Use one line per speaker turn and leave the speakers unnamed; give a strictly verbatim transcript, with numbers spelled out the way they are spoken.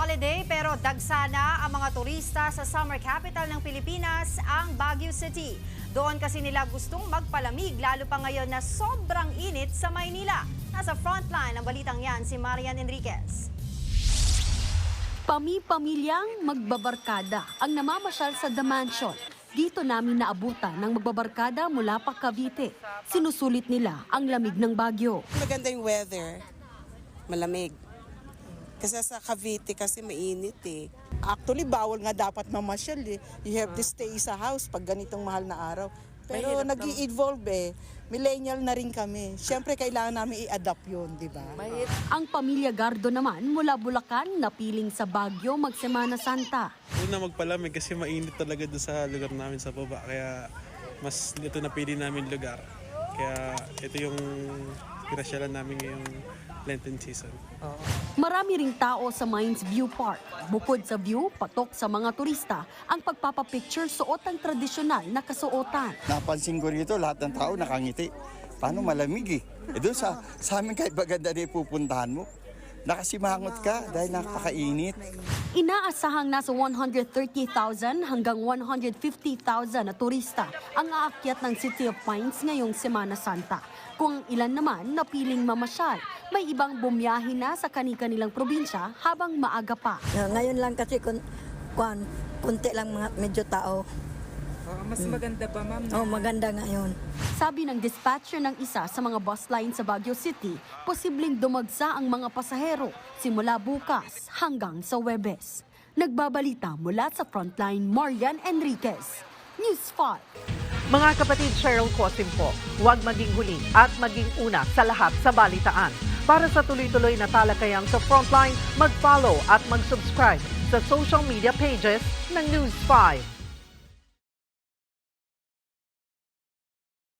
holiday pero dagsana ang mga turista sa summer capital ng Pilipinas, ang Baguio City. Doon kasi nila gustong magpalamig lalo pa ngayon na sobrang init sa Maynila. Nasa frontline ng balitang yan si Marian Enriquez.
Pami-pamilyang magbabarkada ang namamasyal sa The Mansion. Dito namin naabutan ng magbabarkada mula pa Cavite. Sinusulit nila ang lamig ng Baguio.
Maganda yung weather, malamig. Kasi sa Cavite kasi mainit eh.
Actually, bawal nga dapat mamasyal eh. You have to stay sa house pag ganitong mahal na araw. Pero nag-i-evolve eh. Millennial na rin kami. Siyempre, kailangan namin i-adapt yun, di ba?
Ang pamilya Gardo naman mula Bulacan napiling sa Baguio magsemana Santa.
Una magpalamig kasi mainit talaga doon sa lugar namin sa baba. Kaya mas ito napili namin lugar. Kaya ito yung pinasyalan namin ngayong Lenten season.
Marami ring tao sa Mines View Park. Bukod sa view, patok sa mga turista ang pagpapapicture suot ang tradisyonal na kasuotan.
Napansin ko rito, lahat ng tao nakangiti. Paano malamig eh? E doon sa, sa amin kahit maganda na pupuntahan mo, nakasimangot ka dahil napakainit.
Inaasahang nasa one hundred thirty thousand hanggang one hundred fifty thousand na turista ang aakyat ng City of Pines ngayong Semana Santa. Kung ilan naman napiling mamasyal, may ibang bumiyahe na sa kani-kanilang probinsya habang maaga pa.
Ngayon lang kasi kun, kun, kunti lang mga medyo tao.
Oh, mas maganda ba, ma'am?
Oh, maganda ngayon.
Sabi ng dispatcher ng isa sa mga bus line sa Baguio City, posibleng dumagsa ang mga pasahero simula bukas hanggang sa Huwebes. Nagbabalita mula sa Frontline, Marian Enriquez, News five.
Mga kapatid, Cheryl Cosim po, huwag maging huli at maging una sa lahat sa balitaan. Para sa tuloy-tuloy na talakayang sa Frontline, mag-follow at mag-subscribe sa social media pages ng News five.